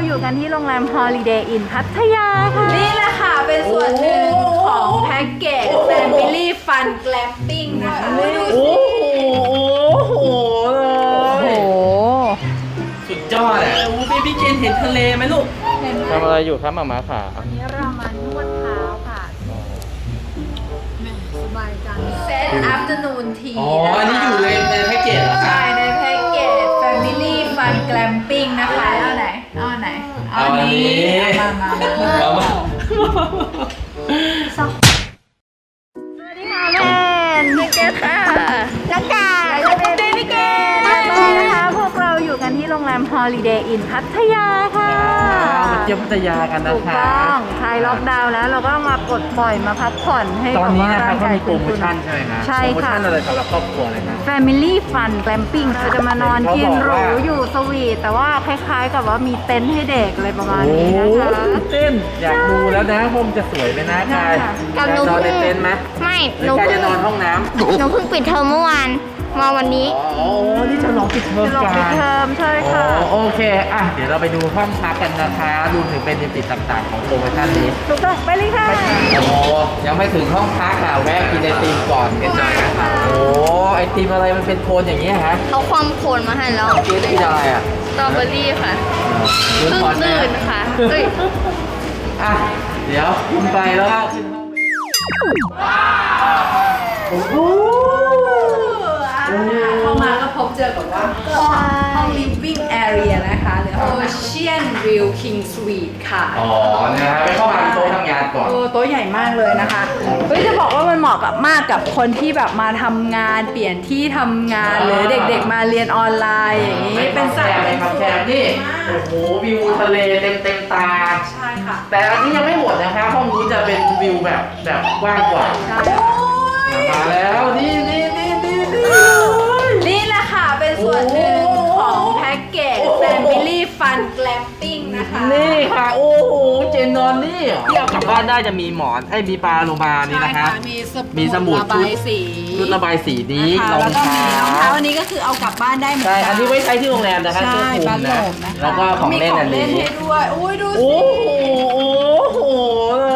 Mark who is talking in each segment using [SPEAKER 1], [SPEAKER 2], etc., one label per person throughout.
[SPEAKER 1] อยู่กันที่โรงแรม Holiday Inn พัทยาค่ะนี่แหละค่ะเป็นส่วนหนึ่งของแพ็กเกจ Family Fun Glamping นะคะ
[SPEAKER 2] โอ้โหเลย สุดยอดอ่ะเบบี้เกนเห็นทะเลไหมลูกทำอะไรอยู่ครับหมาขา
[SPEAKER 1] วันนี้เรามานวดเท้าค่ะสบายจังเซต Afternoon Tea
[SPEAKER 2] อ๋ออันนี้อยู่ในแพ็กเกจเหรอคะ
[SPEAKER 1] ใช่ในแพ็กเกจ Family Fun Glamping นะคะเอาไหนเอาไหนเอาอันนี้มา
[SPEAKER 2] เอามา
[SPEAKER 1] สวัสดีค่ะแม่นิเกตค่ะแล้วกันเดนิเกตตอนนี้นะคะพวกเราอยู่กันที่โรงแรม Holiday Inn พัทยาค่ะ
[SPEAKER 2] มาเที่ยวพัทยากันนะ
[SPEAKER 1] ถูก
[SPEAKER 2] คะ
[SPEAKER 1] ต้องคลายล็อกดาวน์แล้วเราก็มาปลดปล่อยมาพักผ่อนให้
[SPEAKER 2] ตอนนี้นะครับ
[SPEAKER 1] ร่าง
[SPEAKER 2] เขา
[SPEAKER 1] กาย
[SPEAKER 2] มีโปรโมชั่นใช่ไหมคะ
[SPEAKER 1] ใช่ค่ะ
[SPEAKER 2] โปรโมชั่นอะไรสำหรับครอบครัวเลยนะ
[SPEAKER 1] Family Fun Glamping เราจะมานอนกินหรูอยู่สวีทแต่ว่าคล้ายๆกับว่ามีเต็นท์ให้เด็กอะไรประมาณนี้นะคะ
[SPEAKER 2] เต้นอยากดูแล้วนะผมจะสวยไหมนะกายอยากนอนในเต็นท์ไหม
[SPEAKER 3] ไม่ห
[SPEAKER 2] หรื
[SPEAKER 3] นู
[SPEAKER 2] อกาย
[SPEAKER 3] เพิ่
[SPEAKER 2] จะ
[SPEAKER 3] ง
[SPEAKER 2] นอนห้องน้ำ
[SPEAKER 3] หนูเพิ่งปิดเทอมเมื่อวานมาวันนี้
[SPEAKER 2] อ๋อนี่จะลองปิดเทอม
[SPEAKER 1] ลง
[SPEAKER 2] กั
[SPEAKER 1] ปิด
[SPEAKER 2] น
[SPEAKER 1] เทอมใช่
[SPEAKER 2] อ๋
[SPEAKER 1] ค่ะ
[SPEAKER 2] อโอเคอ่ะเดี๋ยวเราไปดูห้องพักกันนะคะรวมถึงเป็นดิจิตต่างๆของโปรโมชั่นนี้
[SPEAKER 1] ถูกต้องไปเลยค่ะ
[SPEAKER 2] โอ้ยังไม่ถึงห้องพักอ่ะแวะกินไอติมก่อนกันหน่อยนะคะโอ้ไอติมอะไรมันเป็นโคนอย่างนี้ฮะ
[SPEAKER 3] เขาความโคนมาให้แล้ว
[SPEAKER 2] เมื่อกี้กินอะไรอ่ะ
[SPEAKER 3] สตรอเบอรี่ค่ะ
[SPEAKER 2] เพิ่ง
[SPEAKER 3] ตื่นค่ะเอ้ย
[SPEAKER 2] อ่ะเดี๋ยวคุณไปแล้วก็ขึ้นห้องโอ้โห
[SPEAKER 1] เข้ามาก็พบเจอกับว่าห้อง living area นะคะหรือ Ocean View King Suite ค่ะ
[SPEAKER 2] อ๋อนะฮะไปเข้ามาโต๊ะทำงานก่อน
[SPEAKER 1] โต๊ะใหญ่มากเลยนะคะเฮ้ยจะบอกว่ามันเหมาะกับมากกับคนที่แบบมาทำงานเปลี่ยนที่ทำงานหรือเด็กๆมาเรียนออนไลน์อย่างนี้เป็นสัตว์
[SPEAKER 2] เป็นแคบนี่โอ้โหวิวทะเลเต็มตา
[SPEAKER 1] ใช่ค่ะ
[SPEAKER 2] แต่อันนี้ยังไม่หมดนะคะห้องนู้นจะเป็นวิวแบบกว้างกว่า
[SPEAKER 1] ใช่
[SPEAKER 2] มาแล้วนี่
[SPEAKER 1] นี่แหละค่ะเป็นส่วนหนึ่งของแพ็กเกจ Family Fun Glamping นะคะ
[SPEAKER 2] นี่ค่ะโอ้โหเจนนอนนี่ที่เอากลับบ้านได้จะมีหมอนมีปลาโลมานี่นะคะ มีสมุด
[SPEAKER 1] ระบายสี
[SPEAKER 2] ชุดระบายสีนี้
[SPEAKER 1] นะคะ
[SPEAKER 2] รอง
[SPEAKER 1] แล้วก็มีรอง
[SPEAKER 2] เท้า
[SPEAKER 1] เท้าอันนี้ก็คือเอากลับบ้านได้เหมือน
[SPEAKER 2] ใช่
[SPEAKER 1] กั
[SPEAKER 2] อันนี้ไว้ใช้ที่โรงแรมนะคะ
[SPEAKER 1] ใช่
[SPEAKER 2] เสื้อคลุ
[SPEAKER 1] บ้าม นโหล
[SPEAKER 2] นะ
[SPEAKER 1] มนะคะ
[SPEAKER 2] แล้วก็ของเล่นอัน
[SPEAKER 1] มี
[SPEAKER 2] นี้
[SPEAKER 1] ให้ด้วยอุ้ยดูสิ
[SPEAKER 2] โอ้โหเลย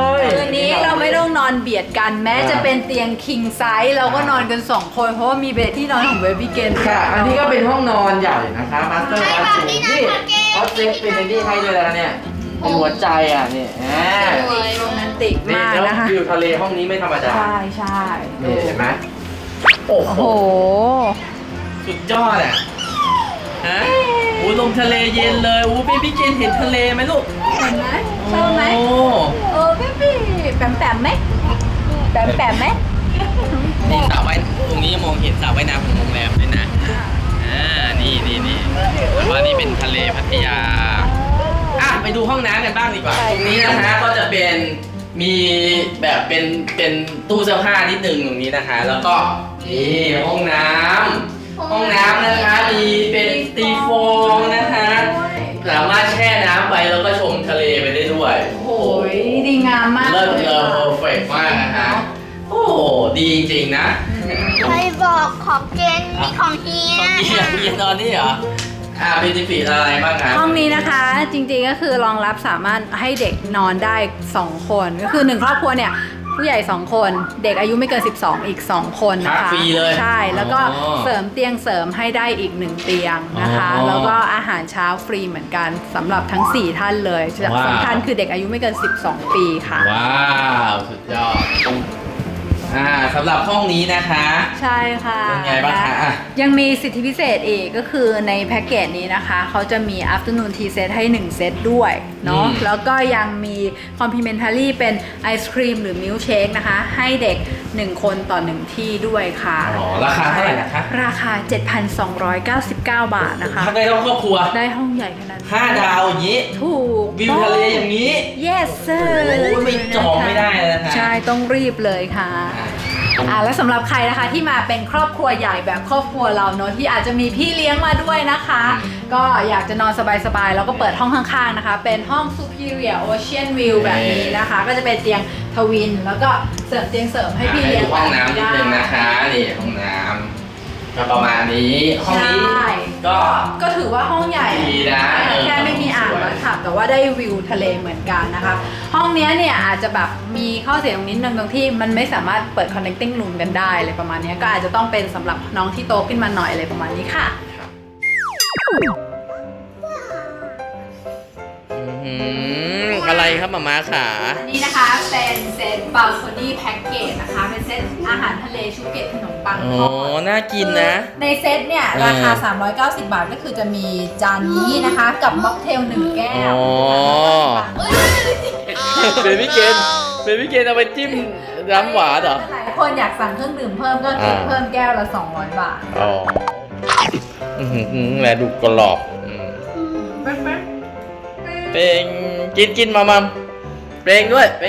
[SPEAKER 1] คืนนี้เราไม่ต้องนอนเบียดกันแม้จะเป็นเตียง king size เราก็นอนกัน2คนเพราะว่ามีเบดที่นอนของเบบี้เกน
[SPEAKER 2] ค่ะ อันนี้ก็เป็นห้องนอนใหญ่นะคะมาสเตอร์บัธรูมนี่เขาเซฟเป็นอันนี้ให้ด้วยแล้วเนี่ยเป็นหัวใจอ่ะนี่อ่า
[SPEAKER 1] โรแมนติก
[SPEAKER 2] นี่
[SPEAKER 1] มาก
[SPEAKER 2] แล้ว
[SPEAKER 1] นะคะ
[SPEAKER 2] วิวทะเลห้องนี้ไม่ธรรมดา
[SPEAKER 1] ใช่ใช่
[SPEAKER 2] นี่เห็นไหมโอ้
[SPEAKER 1] โอ้
[SPEAKER 2] โห
[SPEAKER 1] โห
[SPEAKER 2] สุดยอดอ่ะฮะโอ้ลมทะเลเย็นเลยโอ้เบบี้เกนเห็นทะเลไหมลูก
[SPEAKER 1] เห็นไหมชอบไหม
[SPEAKER 2] โอ้
[SPEAKER 1] เบบี้แปมแปมไหมแปมแปมไหม
[SPEAKER 2] นี่สระว่ายตรงนี้มองเห็นสระว่ายน้ำของโรงแรมเลยนะนี่ว่านี่เป็นทะเลพัทยาอ่ะไปดูห้องน้ำกันบ้างดีกว่าตรงนี้นะฮะก็จะเป็นมีแบบเป็นตู้เสื้อผ้านิดนึงตรงนี้นะคะ แล้วก็นี่ห้องน้ำนะคะมีเป็นตีโฟมนะคะสามารถแช่น้ำไปแล้วก็ชมทะเลไปได้ด้วย
[SPEAKER 1] โอ้ยดีงามมาก
[SPEAKER 2] เลิศ
[SPEAKER 1] เลย
[SPEAKER 2] เพอร์เฟกมากนะฮะโอ้โหดีจริงๆนะ
[SPEAKER 3] ใครบอกของเจนนี่ของเฮีย
[SPEAKER 2] เฮียตอนนี้เหรอเป็นดิฟิตอะไรบ้างครับ
[SPEAKER 1] ห้องนี้นะคะจริงๆก็คือรองรับสามารถให้เด็กนอนได้ 2 คนก็คือ 1 ครอบครัวเนี่ยผู้ใหญ่ 2 คนเด็กอายุไม่เกิน 12 อีก 2 คนนะคะ
[SPEAKER 2] ฟรีเลย
[SPEAKER 1] ใช่แล้วก็
[SPEAKER 2] อ๋อ
[SPEAKER 1] เสริมเตียงเสริมให้ได้อีก 1 เตียงนะคะ
[SPEAKER 2] อ๋อ
[SPEAKER 1] แล้วก็อาหารเช้าฟรีเหมือนกันสำหรับทั้ง 4 ท่านเลย
[SPEAKER 2] ว้าว
[SPEAKER 1] สำคัญคือเด็กอายุไม่เกิน 12 ปีค่ะ
[SPEAKER 2] ว้าวสุดยอดสำหรับห้องนี้นะคะ
[SPEAKER 1] ใช่ค่ะ
[SPEAKER 2] เป็นไงบ้างคะอ่ะ
[SPEAKER 1] ยังมีสิทธิพิเศษอีกก็คือในแพ็กเกจนี้นะคะเขาจะมี afternoon tea set ให้ 1 เซตด้วยเนาะแล้วก็ยังมี complimentary เป็นไอศครีมหรือมิลค์เชคนะคะ ให้เด็ก 1 คนต่อ 1 ที่ด้วยค่ะ
[SPEAKER 2] อ๋อราคาเท่าไหร่นะคะ
[SPEAKER 1] ราคา 7,299 บาทนะคะ
[SPEAKER 2] พักได้ทั้งครอบครัว
[SPEAKER 1] ได้ห้องใหญ่ขนาดนี้
[SPEAKER 2] 5 ดาวอย่างนี้
[SPEAKER 1] ถูก
[SPEAKER 2] วิวทะเลอย่างนี้
[SPEAKER 1] yes sir
[SPEAKER 2] โอ้ยไม่จองไม่ได้เลยนะคะ
[SPEAKER 1] ใช่ต้องรีบเลยค่ะ แล้วสำหรับใครนะคะที่มาเป็นครอบครัวใหญ่แบบครอบครัวเราเนอะที่อาจจะมีพี่เลี้ยงมาด้วยนะคะ ก็อยากจะนอนสบายๆแล้วก็เปิดห้องข้างๆนะคะ เป็นห้อง Superior Ocean View แบบนี้นะคะ ก็จะเป็นเตียงทวินแล้วก็เสริมเตียงเสริมให้พี่เลี้ยง
[SPEAKER 2] ห้องน้ำนิดนึงนะคะนี่ห้องน้ำก็ประมาณนี้ห้องนี้
[SPEAKER 1] ใช่
[SPEAKER 2] ก็
[SPEAKER 1] ก็ถือว่าห้องใหญ่
[SPEAKER 2] ดีนะ
[SPEAKER 1] แค่ไม่มีอ่างแล้วค่ะแต่ว่าได้วิวทะเลเหมือนกันนะคะห้องเนี้ยเนี่ยอาจจะแบบมีข้อเสียตรงนิดนึงตรงที่มันไม่สามารถเปิด connecting room กันได้อะไรประมาณเนี้ยก็อาจจะต้องเป็นสำหรับน้องที่โตขึ้นมาหน่อยอะไรประมาณนี้ค่ะ
[SPEAKER 2] อะไรครับมาม่าขา
[SPEAKER 1] นี่นะคะเป็นเซต balcony package นะคะเป็นเซตอาหารทะเลชุเกตขนมปัง
[SPEAKER 2] โอ้
[SPEAKER 1] ทอด
[SPEAKER 2] น่ากินนะ
[SPEAKER 1] ในเซตเนี่ยราคา 390 บาทก็คือจะมีจานนี้นะคะกับม็อกเทล1 แก้ว
[SPEAKER 2] อ๋อ เบบี้เกนเอาไปจิ้มน้ำหวานเหรอ
[SPEAKER 1] หลายคนอยากสั่งเครื่องดื่มเพิ่มก็คิดเพิ่มแก้วละ 200 บาท
[SPEAKER 2] อ๋อแหละดูกรอบเป็นกินมัมเป็นด้วยเป็น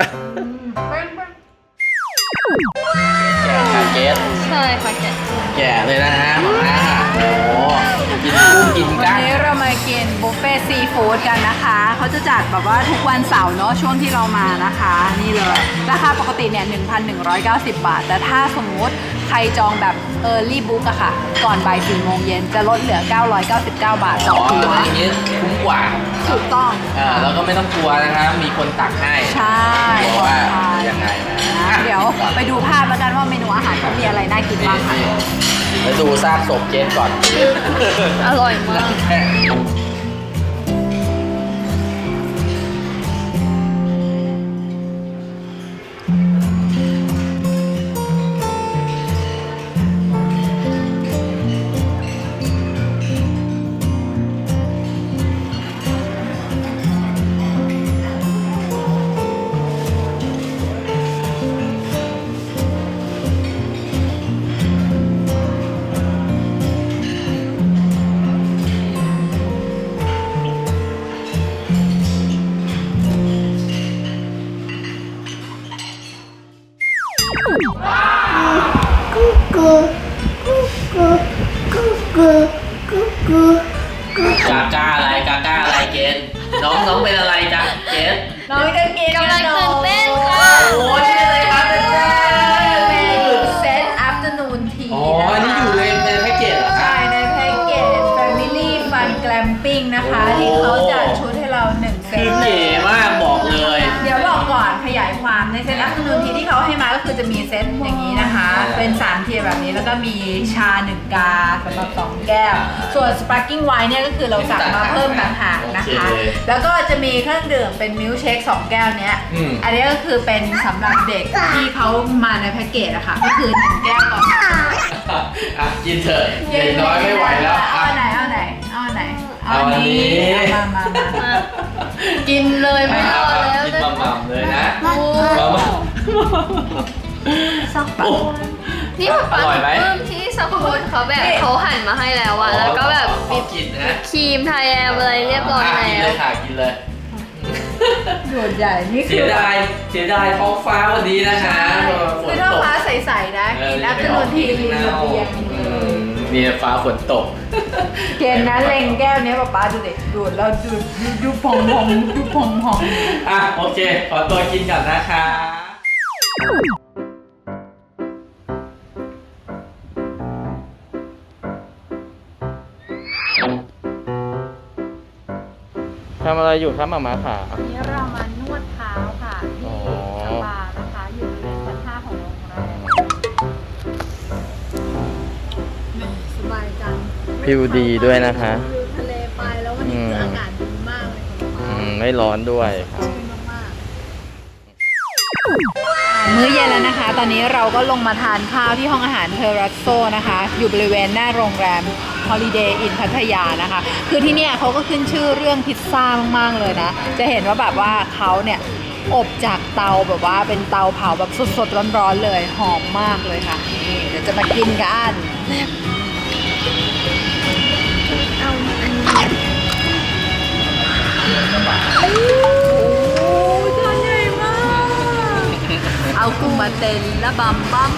[SPEAKER 2] แกะ
[SPEAKER 3] ใช่ค่ะแก
[SPEAKER 2] แก่เลยนะฮะมาม่าโอ้กินกุ้งกิน
[SPEAKER 1] วัน
[SPEAKER 2] กั้ง
[SPEAKER 1] นี้เรามากินบุฟเฟ่ซีฟู้ดกันนะคะเขาจะจัดแบบว่าทุกวันเสาร์เนาะช่วงที่เรามานะคะนี่เลยราคาปกติเนี่ย 1,190 บาทแต่ถ้าสมมุติใครจองแบบ Early Book อะค่ะก่อนบ่าย 4 โมงเย็นจะลดเหลือ 999 บาทต่อหัว
[SPEAKER 2] อย่างนี้คุ้มกว่า
[SPEAKER 1] ถูกต้อง
[SPEAKER 2] แล้วก็ไม่ต้องกลัวนะครับมีคนตักให้
[SPEAKER 1] ใช่
[SPEAKER 2] เพราะว่ายังไงนะ
[SPEAKER 1] เดี๋ยวไปดูภาพแล้วกันว่าเมนูอาหารเขามีอะไรน่ากินบ้างค่ะ
[SPEAKER 2] แล้วดูซากศพเจนก่อน
[SPEAKER 3] อร่อยมาก
[SPEAKER 2] กาก้าอะไรเกนน้องเป็นอะไรจ๊ะเกน
[SPEAKER 1] น้องจะกิน
[SPEAKER 3] กำลังตื่นเต้นค่ะ
[SPEAKER 2] โอ้นี่อะไรครับเป็น
[SPEAKER 1] เป็นเซต afternoon tea
[SPEAKER 2] อ๋ออันนี้อยู่ในแพ็กเกจเหรอครั
[SPEAKER 1] ใช่
[SPEAKER 2] บ
[SPEAKER 1] ในแพ็กเกจ Family Fun Glamping นะคะ ที่เขาจัดชุดให้เรา1 เซ
[SPEAKER 2] คื
[SPEAKER 1] ต
[SPEAKER 2] อเก๋มากบอกเลย
[SPEAKER 1] เดี๋ยวบอกก่อนขยายความในเซต afternoon tea ที่เขาให้มาก็คือจะมีเซตอย่างนี้นะคะ เป็น3 เทียร์แบบนี้แล้วก็มีชา 1 กาสำหรับ 2 แก้ว ส่วน sparkling wine เนี่ยก็คือเราสั่งมาเพิ่มต่างหากนะคะ แล้วก็จะมีเครื่องดื่มเป็นมิลค์เชค2 แก้วเนี้ย อันนี้ก็คือเป็นสำหรับเด็กที่เขามาในแพ็กเกจอะค่ะก็คือ1 แก้วต่อ
[SPEAKER 2] อ่ะกินเถอะเด็กน้อยไม่ไหวแล้ว
[SPEAKER 1] เอาอันไหนเอาอันไหนเอาอันไหนเอาอันนี้
[SPEAKER 2] เอา
[SPEAKER 1] มา
[SPEAKER 3] กินเลยไม่รอแล้ว
[SPEAKER 2] กินมัมเลยนะ
[SPEAKER 3] โอ้
[SPEAKER 2] มัม
[SPEAKER 3] สักปะนี่ป๊า
[SPEAKER 2] อร่อยไหม
[SPEAKER 3] ปลื้มที่สักคนเขาแบบเขาหั่นมาให้แล้วอะแล้วก็แบบ
[SPEAKER 2] ขอกินนะ
[SPEAKER 3] ครีมไทยแอมอะไรเรียบร้อย
[SPEAKER 2] กิน
[SPEAKER 3] แล้
[SPEAKER 2] เล
[SPEAKER 3] วย
[SPEAKER 2] ค่ะกินเลย
[SPEAKER 1] ดูดใหญ่นี่คื
[SPEAKER 2] เสี
[SPEAKER 1] อย
[SPEAKER 2] ดายท้องฟ้าวันนี้นะคะฝ
[SPEAKER 1] คื
[SPEAKER 2] น
[SPEAKER 1] อถ้า
[SPEAKER 2] ตก
[SPEAKER 1] ฟ้าใสๆนะกินอัพเดททีริมระเบียง
[SPEAKER 2] มีฟ้าฝนตก
[SPEAKER 1] เกณฑ์นะเล็งแก้วนี้ป๊าดูเด็กดูดแล้วดูพองดูพอง
[SPEAKER 2] อ่ะโอเคขอตัวกินก่อนนะคะทำอะไรอยู่ครับหมาม้าขา
[SPEAKER 1] วันนี้เรามานวดเท้าค่ะที่สปานะคะอยู่บริเวณชั้น 5ของโรงแรมสบายจัง
[SPEAKER 2] พิวดีด้วยนะคะ
[SPEAKER 1] วิวทะเลไปแล้ววันนี้คืออากาศดีมากเลยค่ะ
[SPEAKER 2] ไม่ร้อนด้วยครับ
[SPEAKER 1] มื้อเย็นแล้วนะคะ ตอนนี้เราก็ลงมาทานข้าวที่ห้องอาหารเทอรัสโซนะคะ อยู่บริเวณหน้าโรงแรม Holiday Inn พัทยานะคะ คือที่เนี่ยเขาก็ขึ้นชื่อเรื่องพิซซ่ามากๆเลยนะ จะเห็นว่าแบบว่าเขาเนี่ยอบจากเตาแบบว่าเป็นเตาเผาแบบสดๆร้อนๆเลย หอมมากเลยค่ะ นี่เดี๋ยวจะมากินกัน
[SPEAKER 3] เอาอันนี้
[SPEAKER 1] โอ้จานใหญ่มาก เอากุ้งมาเต็นและบัม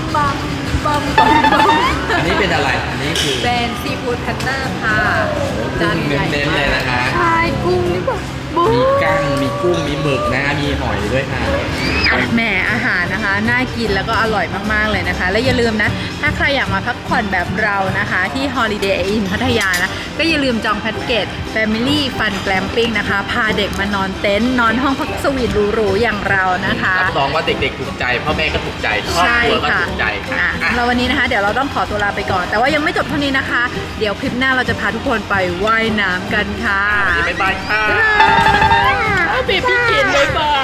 [SPEAKER 2] อันนี้เป็นอะไร อันนี้คือ
[SPEAKER 1] เป็นซีฟู้ดแพนเนอร์ค่ะจานใหญ่
[SPEAKER 2] เน้นๆ
[SPEAKER 1] มา
[SPEAKER 2] เลย
[SPEAKER 1] ก
[SPEAKER 2] นะคะ
[SPEAKER 3] ชายกุ้งนี่แบบบู
[SPEAKER 2] มีกั้งมีกุ้งมีหมึกนะมีหอยด้วยค่ะ
[SPEAKER 1] แหมอาหารนะคะน่ากินแล้วก็อร่อยมากๆเลยนะคะ และอย่าลืมนะถ้าใครอยากมาพักผ่อนแบบเรานะคะที่ Holiday Inn พัทยานะก็อย่าลืมจองแพ็กเกจ Family Fun Glamping นะคะพาเด็กมานอนเต็นท์นอนห้องพักสวีทหรูๆอย่างเรานะคะ
[SPEAKER 2] รับรองว่าเด็กๆถูกใจพ่อแม่ก็ถูกใจครอบครัวก็ถูกใจค่ะ
[SPEAKER 1] เราวันนี้นะคะเดี๋ยวเราต้องขอตัวลาไปก่อน แต่ว่ายังไม่จบเท่านี้นะคะ เดี๋ยวคลิปหน้าเราจะพาทุกคนไปว่ายน้ำกันค่ะ
[SPEAKER 2] วันนี้บ๊ายบายค่ะ
[SPEAKER 1] เบบี้กินบ๊ายบาย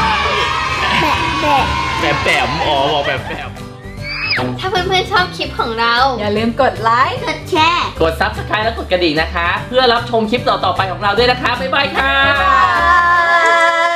[SPEAKER 3] แบะ
[SPEAKER 2] แปมอ๋อบอกแปม
[SPEAKER 3] ถ้าเพื่อนๆชอบคลิปของเรา
[SPEAKER 1] อย่าลืมกดไลค์
[SPEAKER 3] กดแชร์
[SPEAKER 2] กด Subscribe และกดกระดิ่งนะคะ เพื่อรับชมคลิปต่อๆไปของเราด้วยนะคะบ๊ายบายค่ะ
[SPEAKER 1] บ๊ายบาย